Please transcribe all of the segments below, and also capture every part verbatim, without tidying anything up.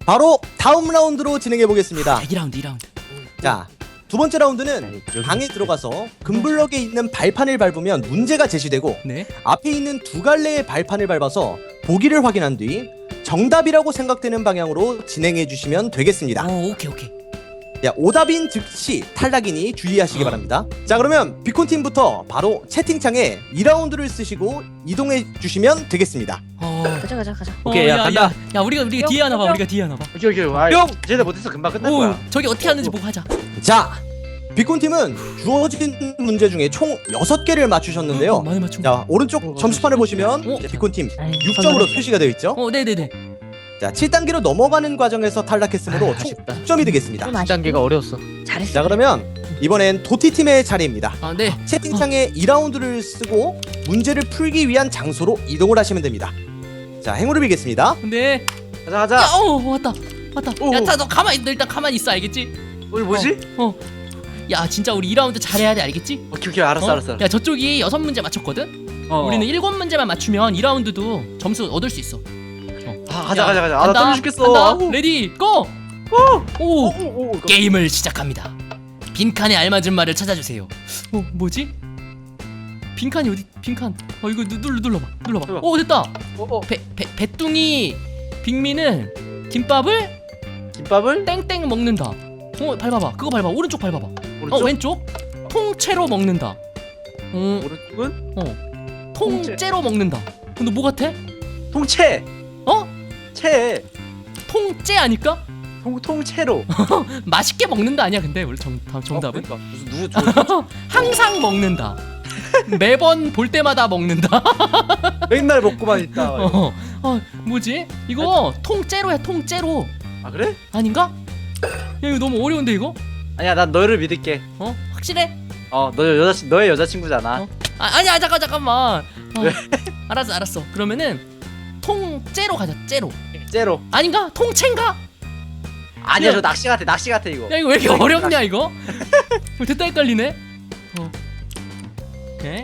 바로 다음 라운드로 진행해 보겠습니다. 이 라운드 이 라운드. 자, 두 번째 라운드는 방에 들어가서 금블럭에 있는 발판을 밟으면 문제가 제시되고 네. 앞에 있는 두 갈래의 발판을 밟아서 보기를 확인한 뒤 정답이라고 생각되는 방향으로 진행해 주시면 되겠습니다. 오, 오케이 오케이. 야, 오답인 즉시 탈락이니 주의하시기 바랍니다. 자, 그러면 비콘팀부터 바로 채팅창에 이 라운드를 쓰시고 이동해 주시면 되겠습니다. 어. 가자 가자 가자. 오케이, 야, 간다. 야, 야 우리가 우리가 뒤에 하나 봐. 우리가 뒤에 하나 봐. 오케이 오케이. 아, 뿅! 쟤네 못해서 금방 끝날 오, 거야. 저기 어떻게 하는지 보고 하자. 자, 비콘팀은 주어진 문제 중에 총 여섯 개를 맞추셨는데요. 어, 많이 맞춘. 자, 오른쪽 점수판을 보시면 어? 비콘팀 아이, 육 점으로 선생님. 표시가 되어 있죠. 어, 네, 네, 네. 자, 칠 단계로 넘어가는 과정에서 탈락했으므로 아, 총 아쉽다. 육 점이 되겠습니다. 좀 아쉽- 단계가 어려웠어. 잘했어. 자, 그러면 이번엔 도티팀의 차례입니다. 아, 네. 채팅창에 이 라운드를 쓰고 문제를 풀기 위한 장소로 이동을 하시면 됩니다. 자, 행운을 빌겠습니다. 근데 가자 가자. 야, 어, 왔다. 왔다. 오. 야, 자, 너 가만히 너 일단 가만히 있어. 알겠지? 오늘 뭐지? 어. 야, 진짜 우리 이 라운드 잘해야 돼. 알겠지? 오케이 오케이 알았어 어? 알았어. 야, 저쪽이 여섯 문제 맞췄거든. 어. 우리는 일곱 문제만 맞추면 이 라운드도 점수 얻을 수 있어. 아 가자 야, 가자 가자. 아나 간다, 떨려 죽겠어. 간다. 아우. 레디 고! 오! 오, 오, 오. 게임을 시작합니다. 빈칸에 알맞은 말을 찾아주세요. 어, 뭐지? 빈칸이 어디? 빈칸. 어, 이거 누, 눌러 눌러봐. 눌러봐. 해봐. 오, 됐다. 어, 어. 배, 배, 배뚱이 빅미는 김밥을 김밥을 땡땡 먹는다. 어, 밟아봐. 그거 밟아. 오른쪽 밟아봐. 오른쪽. 어, 왼쪽. 통째로 먹는다. 어, 오른쪽은 어. 통째로 먹는다. 근데 뭐 같아? 통채. 어? 채. 통째 아닐까? 통 통채로. 맛있게 먹는다 아니야? 근데 원래 정, 다음 정답은 어, 그러니까. 무슨 누구 저 항상 먹는다. 매번 볼 때마다 먹는다. 맨날 먹고만 있다. 어, 어, 뭐지? 이거 통째로야, 통째로. 아 그래? 아닌가? 야, 이거 너무 어려운데 이거? 아니야 난 너를 믿을게. 어? 확실해? 어너 여자 너의 여자친구잖아. 어? 아, 아니야, 잠깐 잠깐만. 어, 왜? 알았어, 알았어. 그러면은 통째로 가자. 째로. 째로. 아닌가? 통째인가? 아니야 야. 저 낚시 같아 낚시 같아 이거. 야, 이거 왜 이렇게 어렵냐 이거? 어, 됐다 헷갈리네. 어. 오케이.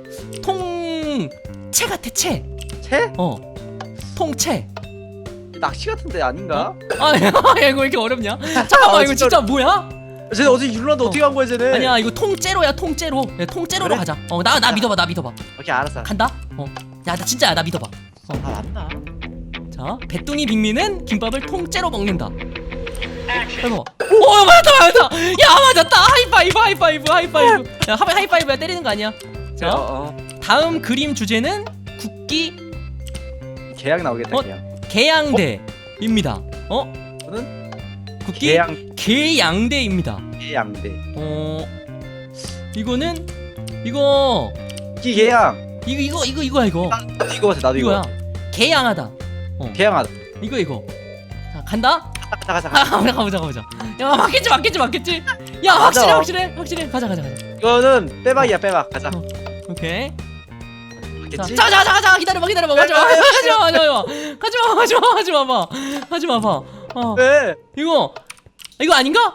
통채 같아, 채. 채? 어. 통채. 낚시 같은데 아닌가? 아, 야, 이거 왜 이렇게 어렵냐? 잠깐만, 아, 이거 진짜 진짜 뭐야? 쟤네 어제 율란드 어떻게 간 거야 쟤네? 아니야, 이거 통째로야, 통째로. 야, 통째로로 그래? 가자. 어, 나, 나 믿어봐, 나 믿어봐. 오케이 알았어. 간다. 어. 야, 나 진짜야, 나 믿어봐. 아 맞나? 자, 배뚱이 빅미는 김밥을 통째로 먹는다. 해봐. 오, 맞았다, 맞았다. 야, 맞았다. 하이파이브, 하이파이브, 하이파이브. 야, 하이- 하이파이브야, 때리는 거 아니야. 자, 어, 어. 다음 그림 주제는 국기 계약 나오겠다 어? 계약. 개양대입니다. 어? 저는 국기 계양 개양대입니다. 계양대. 어, 이거는 이거 기 계양. 이거 이거 이거 이거야 이거. 나도 이거 같아 나도 이거야. 이거. 개양하다. 계양하다. 이거 이거. 자, 간다. 가자 가자 아, 가자. 가보자 가보자. 야, 맞겠지 맞겠지 맞겠지. 야, 맞아. 확실해 확실해 확실해. 가자 가자 가자. 이거는 빼박이야 빼박. 가자. 어. 오케이. 자, 맞겠지? 자, 자, 자, 자, 기다려봐, 기다려봐, 가지마, 가지마, 가지마, 가지마, 가지마, 가지마, 봐, 가지마, 봐. 어, 왜? 이거, 이거 아닌가?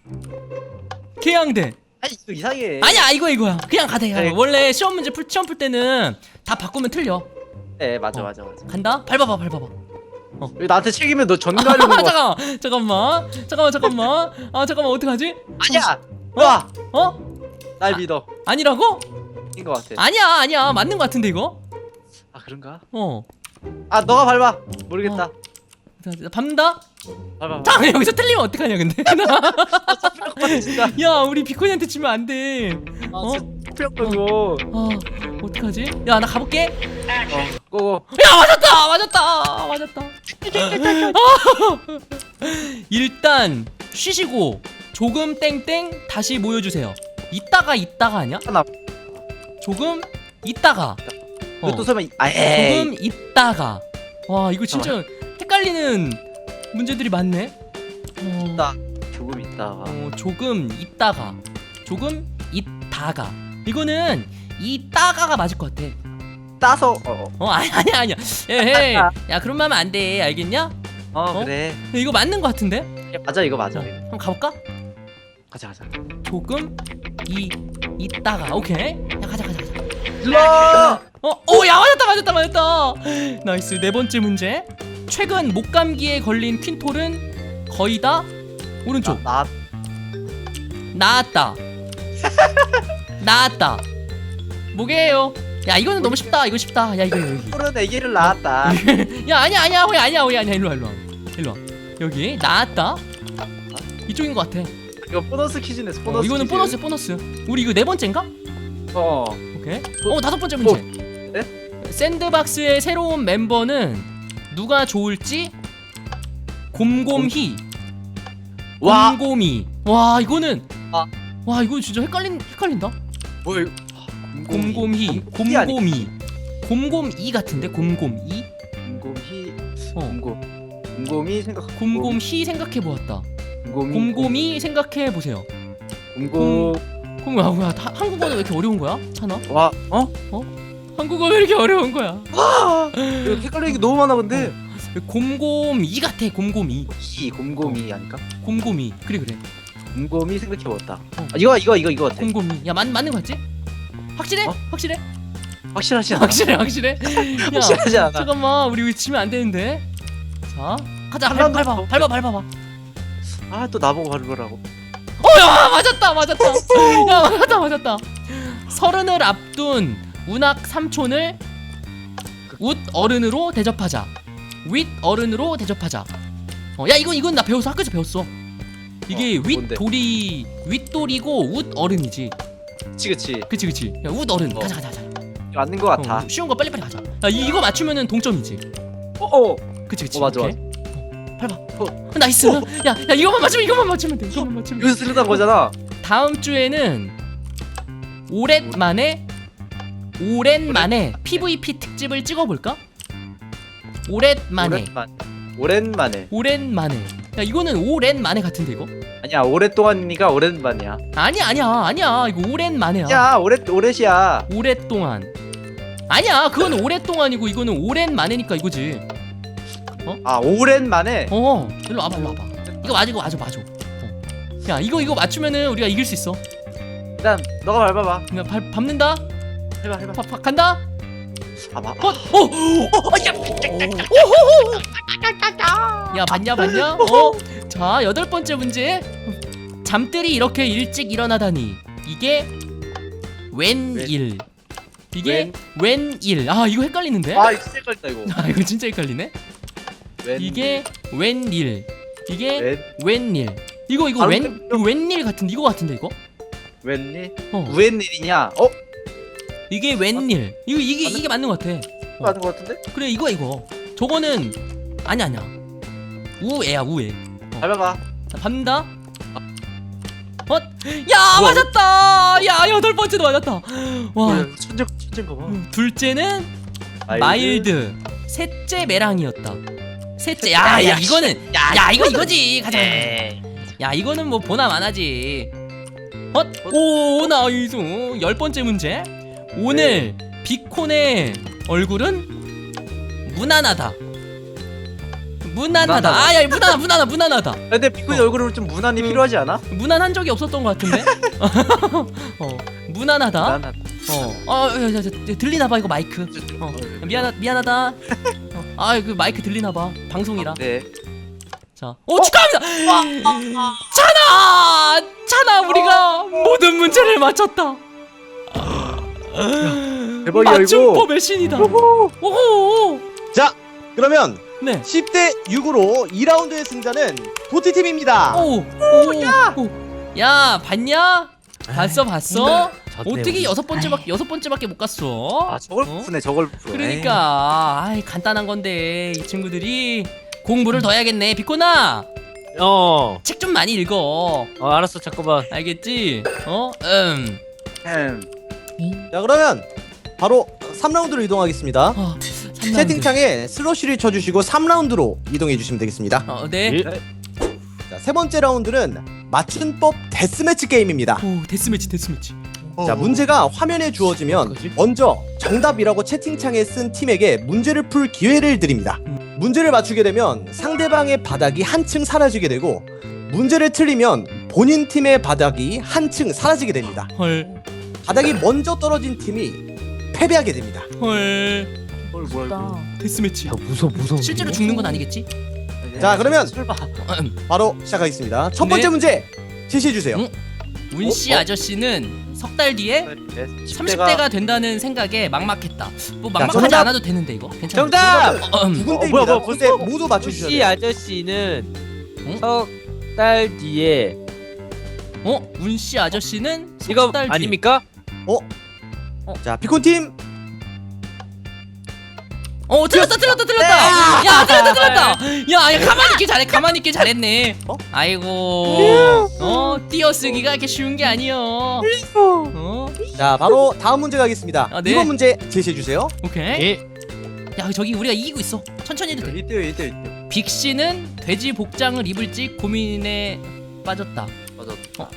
개양대. 아니 이거 이상해. 아니야, 이거 이거야. 그냥 가대. 그래. 원래 시험 문제 풀 시험 풀 때는 다 바꾸면 틀려. 네 맞아 어. 맞아 맞아. 간다. 밟아봐, 밟아봐. 왜 나한테 책임을 너 전가하려는 거? 잠깐만, 잠깐만, 잠깐만, 잠깐만. 아, 잠깐만, 어떡하지? 아니야. 와. 어? 날 믿어. 아니라고? 인것 같아. 아니야, 아니야, 맞는 거 같은데 이거? 아 그런가? 어. 아 너가 밟아. 모르겠다. 자, 자, 밟는다. 밟아. 자, 여기서 틀리면 어떡하냐, 근데? 아, 진짜. 야, 우리 비코니한테 치면 안 돼. 아 어? 진짜 이거. 아, 어떡하지? 야, 나 가볼게. 어. 고고. 야, 맞았다, 맞았다, 맞았다. 일단 쉬시고 조금 땡땡 다시 모여주세요. 이따가 이따가 아니야? 하나. 조금 이따가. 어, 이것도 설마 이- 아 에이. 조금 이따가. 와, 이거 진짜 헷갈리는 문제들이 많네. 어, 있다. 조금 있다가. 어, 조금 이따가. 조금 이따가. 이거는 이따가가 맞을 것 같아. 따서. 어. 어, 어, 아니 아니 아니야. 에헤이. 야, 그런 말 하면 안 돼. 알겠냐? 어, 어? 그래. 근데 이거 맞는 것 같은데? 맞아 이거 맞아. 어, 이거. 한번 가볼까? 가자 가자. 조금 이 이따가. 오케이. 야, 가자 가자 가자. 일로. 어, 오, 야, 맞았다 맞았다 맞았다. 나이스. 네 번째 문제. 최근 목감기에 걸린 퀸톨은 거의 다 오른쪽. 나 나았다. 나았다. 뭐게요? 야 이거는 너무 쉽다. 이거 쉽다. 야 이거 여기. 푸른 애기를 낳았다. 야 아니야 아니야 호야 아니야 호야 아니야 일로 와 일로 와 일로 와. 여기 나았다. 이쪽인 것 같아. 이거 보너스 퀴즈네. 보너스. 어, 이거는 퀴즈. 보너스 보너스. 우리 이거 네 번째인가? 어. 오케이. 어 다섯 번째 문제. 네? 샌드박스의 새로운 멤버는 누가 좋을지 곰곰히. 와. 곰곰이. 와 이거는 아. 와 이거 진짜 헷갈린 헷갈린다. 뭐 이거? 곰곰이 곰곰이 아니- 곰곰이 곰곰이 같은데 곰곰이 곰곰이. 어 곰곰. 곰곰이 생각. 곰곰이 생각해 보았다. 곰곰이. 곰곰이 생각해 보세요. 곰곰. 그럼 야 뭐야 다- 한국어는 왜 이렇게 어려운 거야? 찬아? 와. 어? 한국어 왜 이렇게 어려운 거야? 이거 헷갈리는 게 너무 많아 근데. 곰곰이 같아 곰곰이 이 곰곰이 아닐까? 곰곰이 그래 그래 곰곰이 생각해봤다. 어. 아, 이거 이거 이거 이거 같아. 곰곰이 야 맞, 맞는 거 같지? 확실해? 어? 확실해? 확실하지 않아? 확실해 확실해? 야 확실하지 않아? 잠깐만 우리 이거 지면 안 되는데 자 가자 한 밟, 라운드 밟아 더. 밟아 밟아봐 아 또 나보고 바르라고. 어야 맞았다 맞았다 야 맞았다 맞았다 서른을 앞둔 운학 삼촌을 웃 어른으로 대접하자 윗 어른으로 대접하자 어, 야 이건 이건 나 배웠어 학교에서 배웠어 이게 어, 윗 뭔데? 돌이 윗돌이고 웃 어른이지 그치 그치. 그치 그치 야웃 어른 어. 가자 가자 가자 이거 맞는 거 같아. 어, 쉬운 거 빨리빨리 가자 야 이, 이거 맞추면은 동점이지 어 어. 그치 그치 어, 맞아, 오케이. 어, 밟아 어, 나이스 야, 야 이거만 맞추면 이거만 맞추면 돼 이거만 맞추면 돼 여기서 쓰려던 거잖아. 다음 주에는 오랜만에 오랜만에 피브이피 특집을 찍어볼까? 오랜만에 오랜만. 오랜만에. 오랜만에 야 이거는 오랜만에 같은데 이거? 아니야 오랫동안이니까 오랜만이야. 아니야 아니야 아니야 이거 오랜만에야 야 오랫 오랫이야. 오랫동안 아니야 그건 오랫동안이고 이거는 오랜만에니까 이거지 아 오랜만에. 어 일로 와봐 일로 와봐 이거 맞아 이거 맞아 맞아 어. 야 이거 이거 맞추면은 우리가 이길 수 있어 일단 너가 밟아봐. 그냥 밟, 밟는다 해봐 해봐. 바, 바, 간다 아 봐. 어! 어! 어! 야! 오호호! 야 봤냐 봤냐? 어? 자 여덟 번째 문제 잠들이 이렇게 일찍 일어나다니 이게 웬일 이게 웬일 아 이거 헷갈리는데? 아 이거 진짜 헷갈린다 이거. 아 이거 진짜 헷갈리네 웬. 이게 웬일 이게 웬. 웬일 이거 이거 바로 웬 좀- 이거 웬일 같은데 이거 같은데 이거? 웬일? 어 웬일이냐? 어? 이게 웬일 이거 이게 이게 맞는 것 같아 어. 맞는 거 같은데? 그래 이거 이거 저거는 아니 아니야 우애야 우애 밟아봐. 자, 밟는다 어? 야 뭐야? 맞았다 야 여덟 번째도 맞았다 와 와 천재 천재인가 봐. 음, 둘째는 마일드 셋째 메랑이었다 셋째 야, 야야 야, 이거는 야, 야 이거 이거는- 이거지 가자 야 이거는 뭐 보나 마나지 헛? 오 나이스 열 번째 문제 오늘 비콘의 얼굴은 무난하다 무난하다 무난하다. 아야 무난하 무난하 무난하다 근데 비콘이 얼굴은 좀 무난히 음. 필요하지 않아? 무난한 적이 없었던 것 같은데 어 무난하다 무난한. 어어 야, 야, 야, 들리나봐 이거 마이크 어 미안하 미안하다 어, 아그 마이크 들리나봐 방송이라 네. 자, 오 축하합니다. 찬아, 찬아 우리가 모든 문제를 맞췄다. 대박이야, 맞춤법의 신이다. 오호. 자 그러면 네. 십 대 육으로 이 라운드의 승자는 도티팀입니다. 오, 오, 야, 오. 야, 봤냐? 봤어, 봤어? 졌네, 어떻게 우리. 여섯 번째밖에 여섯 번째밖에 못 갔어? 아 저걸 어? 푸네 저걸 푸네. 그러니까, 아이 간단한 건데 이 친구들이 공부를 더 해야겠네. 비코나, 어, 책 좀 많이 읽어. 어 알았어 잠깐만. 알겠지? 어, 음. 음. 자 그러면 바로 삼 라운드로 이동하겠습니다. 어, 삼 라운드. 채팅창에 슬러시를 쳐주시고 삼 라운드로 이동해 주시면 되겠습니다. 어, 네. 예? 자, 세 번째 라운드는 맞춤법 데스매치 게임입니다. 오, 데스매치, 데스매치. 자 문제가 화면에 주어지면 어떡하지? 먼저 정답이라고 채팅창에 쓴 팀에게 문제를 풀 기회를 드립니다. 음. 문제를 맞추게 되면 상대방의 바닥이 한층 사라지게 되고 문제를 틀리면 본인 팀의 바닥이 한층 사라지게 됩니다. 헐, 바닥이 먼저 떨어진 팀이 패배하게 됩니다. 헐. 어 뭐야 이거. 데스매치. 야 무서워 무서워. 실제로 죽는 건 아니겠지? 자, 그러면 설마. 바로 시작하겠습니다. 첫 번째 네. 문제 제시해 주세요. 응? 운씨 어? 어? 아저씨는 석 달 뒤에 삼십 대가 대가 된다는 생각에 막막했다. 뭐 막막하지 정답! 않아도 되는데 이거 괜찮아. 정답! 어, 음. 두 어, 군데입니다. 뭐야, 뭐야, 두 군데 모두 맞춰주셔야 우씨 돼요. 아저씨는 응? 석 달 뒤에 어? 운씨 아저씨는 이거 석 달 뒤에. 아닙니까? 자, 비콘 팀. 어 틀렸다 틀렸다 틀렸다. 야 틀렸다 틀렸다. 야, 야 가만히 있길 잘해 가만히 있길 잘했네. 어? 아이고. 어 띄어쓰기가 이렇게 쉬운 게 아니여. 어 자, 바로 다음 문제 가겠습니다. 아, 네. 이번 문제 제시해 주세요. 오케이. 예. 야 저기 우리가 이기고 있어. 천천히 해도 돼. 이때요 이때요 이때. 빅 씨는 돼지 복장을 입을지 고민에 빠졌다. 맞아.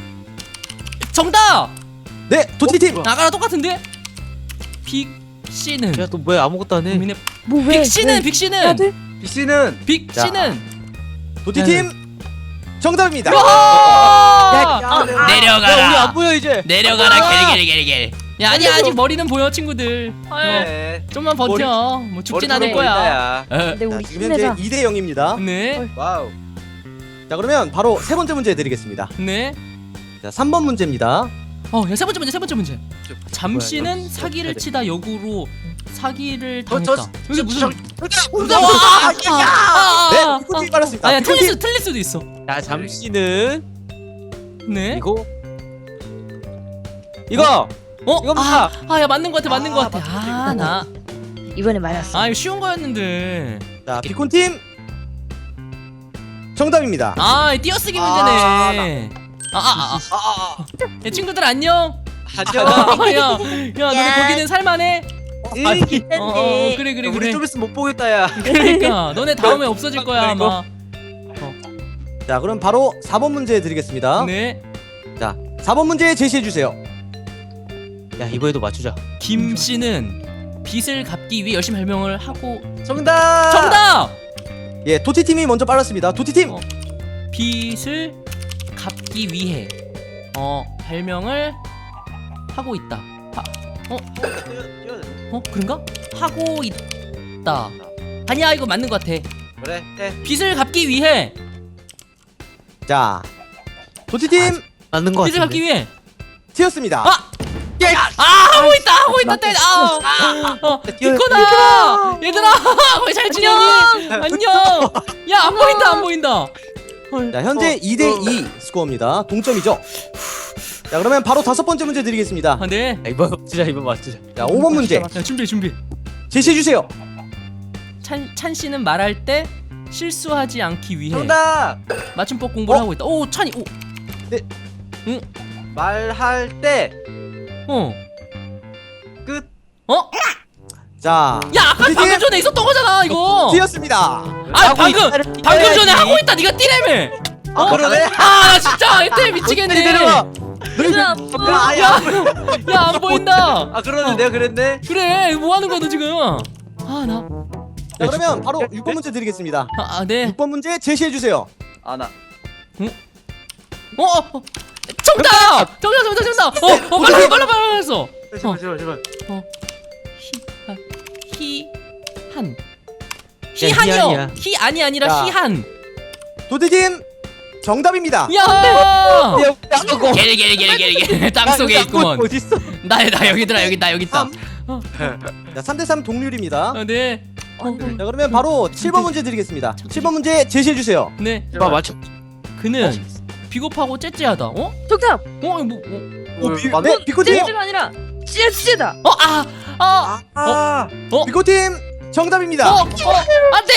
정답! 네, 도티 팀. 나가랑 똑같은데? 빅 씨는 야너 왜 아무것도 안 해? 고민에 뭐 왜? 빅 씨는 빅 씨는 B 씨는 빅 자. 씨는 도티 팀 정답입니다. 야! 야, 내가- 내려가라. 야 우리 안 보여 이제. 내려가라. 게리게리게리게리. 야 아니야 아직 머리는 보여 친구들. 어, 네. 좀만 버텨. 뭐 죽진 않을 머리 거야. 보인다야. 어, 근데 자, 우리 지금 현재 힘내자. 이 대 영입니다. 네. 와우. 자, 그러면 바로 세 번째 문제 드리겠습니다. 네. 자, 삼 번 문제입니다. 어, 야, 세 번째 문제, 세 번째 문제. 저- 잠시는 뭐야, 이거? 사기를 치다 역으로 사기를 저- 당했다. 저- 여기 무슨? 정답! 아, 아, 네, 아, 비콘 팀 빨랐습니다. 아야 비콘 틀릴 팀. 수 틀릴 수도 있어. 자 잠시는 네. 이거 이거 어? 이겁니다. 아, 아, 야 맞는 것 같아, 맞는 아, 것 같아. 맞다, 아, 나. 이번에 맞았어. 아, 이거 쉬운 거였는데. 자, 비콘 팀 정답입니다. 아, 띄어쓰기 아, 문제네. 아, 아, 아, 아. 아아 야, 친구들 안녕. 안녕. 아, 야, 야, 너네 거기는 살만해? 이 어, 어, 어, 그래, 그래, 우리 그래. 좀 있으면 못 보겠다 야. 그러니까 너네 다음에 없어질 거야 그리고? 아마. 자, 그럼 바로 사 번 문제 드리겠습니다. 네. 자, 사 번 문제 제시해 주세요. 야 이번에도 맞추자. 김 씨는 빚을 갚기 위해 열심히 발명을 하고 정답. 정답! 예, 도티 팀이 먼저 빨랐습니다. 도티 팀. 어. 빚을 갚기 위해 어 발명을 하고 있다. 하, 어 그런가? 하고 있다. 아니야 이거 맞는 것 같아. 그래. 해. 빚을 갚기 위해 자, 도티 팀 맞는 거 빚을 갚기 같은데. 위해 튀었습니다. 아! 아 하고 있다 하고 있다 때 아, 아, 어, 비코다 얘들아 거기 잘 지내니 안녕 야 안 보인다 안 보인다 자, 현재 이 대 이 스코어입니다. 동점이죠. 자, 그러면 바로 다섯 번째 문제 드리겠습니다. 아, 네. 야, 이번 맞추자 이번 맞추자. 자, 오 번 문제 야 준비 준비 제시해 주세요. 찬, 찬 씨는 말할 때 실수하지 않기 위해 정답. 맞춤법 공부를 어? 하고 있다. 오 찬이 오 말할 때 어. 끝. 어? 자, 야 아까 도티 방금 팀 전에 있었던 거잖아 이거. 튀었습니다. 아 방금 방금 전에 하고 있다. 네가 뛰래매. 아 그러네. 아나 진짜 이때 미치겠네. 내려와. 얘들아, 아, 아야. 야 안 보인다. 아 그러네. 내가 그랬네. 그래 뭐 하는 거야 너 지금? 아 나. 자, 그러면 바로 육 번 문제 드리겠습니다. 아, 아 네. 육 번 문제 제시해 주세요. 아 나. 어, 어, 어. 정답! 정답 정답 정답. 어, 어 빨리 빨리 빨리 했어. 제발 제발 제발. 히, 아, 한. 희한이야. 희한이요. 희 아니 아니라 야. 희한. 도티 팀 정답입니다. 야! 야고. 게리게리게리게리 땅 속에 있구먼. 어디 있어? 나 나 여기 있더라 여기 나 여기 있다. 자, 삼 대 삼 동률입니다. 아, 네. 어, 자, 그러면 바로 칠 번 문제 드리겠습니다. 칠 번 문제 제시해 주세요. 네. 봐 맞춰. 그는 비겁하고 째째하다. 어? 정답. 어? 이거 뭐? 어? 오, 비, 맞네? 네, 비코 팀. 찌가 아니라 찌찌다. 어? 아! 아! 아. 비코 팀 정답입니다. 어? 어? 안돼!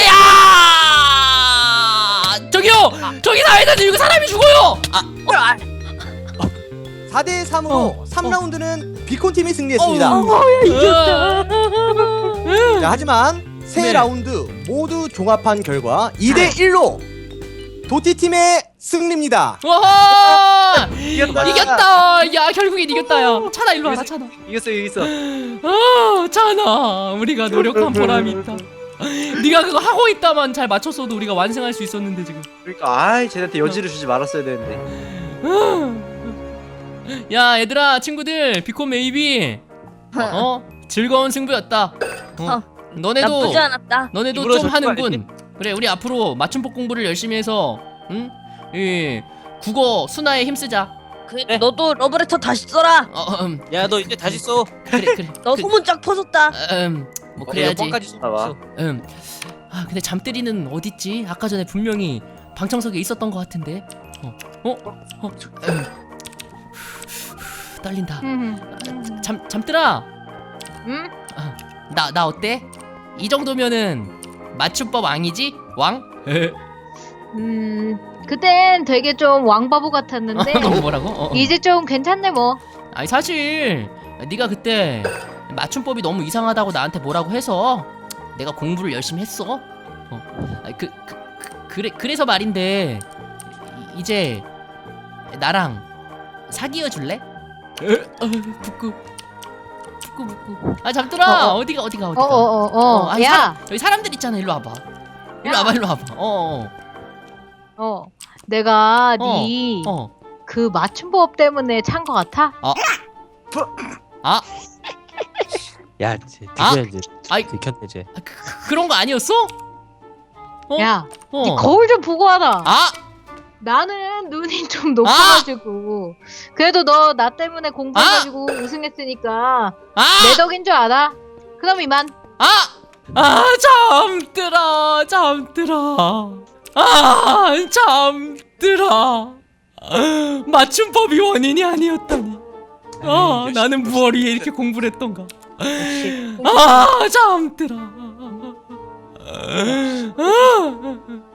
야! 저기요! 저기 사회자님 이거 사람이 죽어요! 아! 사 대 삼으로 어, 삼 어. 라운드는 비콘 팀이 승리했습니다. 어, 이겼다. 자, 하지만 세 네. 라운드 모두 종합한 결과 이 대 일로 도티 팀의 승리입니다. 와! 이겼다. 이겼다! 야 결국엔 이겼다 야 차나 일로 와라 차나. 이겼어 이겼어. 아 차나 우리가 노력한 보람이 있다. 네가 그거 하고 있다만 잘 맞췄어도 우리가 완성할 수 있었는데 지금. 그러니까 아이 쟤한테 여지를 주지 말았어야 되는데. 야 얘들아 친구들 비콘 메이비 어 즐거운 승부였다. 어? 너네도 나쁘지 않았다. 너네도 입으로 좀 적지 하는군. 그래, 우리 앞으로 맞춤법 공부를 열심히 해서 응? 이 국어 순화에 힘쓰자. 그 너도 러브레터 다시 써라. 어, 음, 야 너 이제 다시 써. 그래 그래. 너 그, 소문 쫙 퍼졌다. 음, 뭐 그래야지. 까지 써. 봐봐. 음. 아 근데 잠들이는 어딨지? 아까 전에 분명히 방청석에 있었던 것 같은데. 어, 어, 어. 음. 떨린다. 음. 잠 잠들아. 응? 나 나 어때? 이 정도면은 맞춤법 왕이지? 왕? 음, 그땐 되게 좀 왕바보 같았는데 너 뭐라고? 어, 어. 이제 좀 괜찮네 뭐. 아니 사실 네가 그때 맞춤법이 너무 이상하다고 나한테 뭐라고 해서 내가 공부를 열심히 했어. 어. 아니, 그, 그, 그 그래 그래서 말인데 이, 이제 나랑 사귀어 줄래? 어, 부끄 부끄 부끄. 아 잠들아. 어, 어. 어디가 어디가 어디가. 어어어 어, 어, 아니, 야, 사람, 여기 사람들 있잖아. 일로 와봐. 일로 야. 와봐. 일로 와봐. 어. 어, 내가 어. 네 어. 그 맞춤법 때문에 찬 거 같아? 아, 야 이제 아. 드디어 이제 아이. 들켰네 이제. 그, 그- 그런 거 아니었어? 어? 야, 어. 네 거울 좀 보고 와라. 아, 나는 눈이 좀 높아가지고 그래도 너 나 때문에 공부해가지고 우승했으니까 아, 내 덕인 줄 알아? 그럼 이만. 아, 아, 잠들아, 잠들아, 아, 잠들아. 맞춤법이 원인이 아니었다니. 아, 나는 무얼 위해 이렇게 공부를 했던가. 아, 잠들아. 아,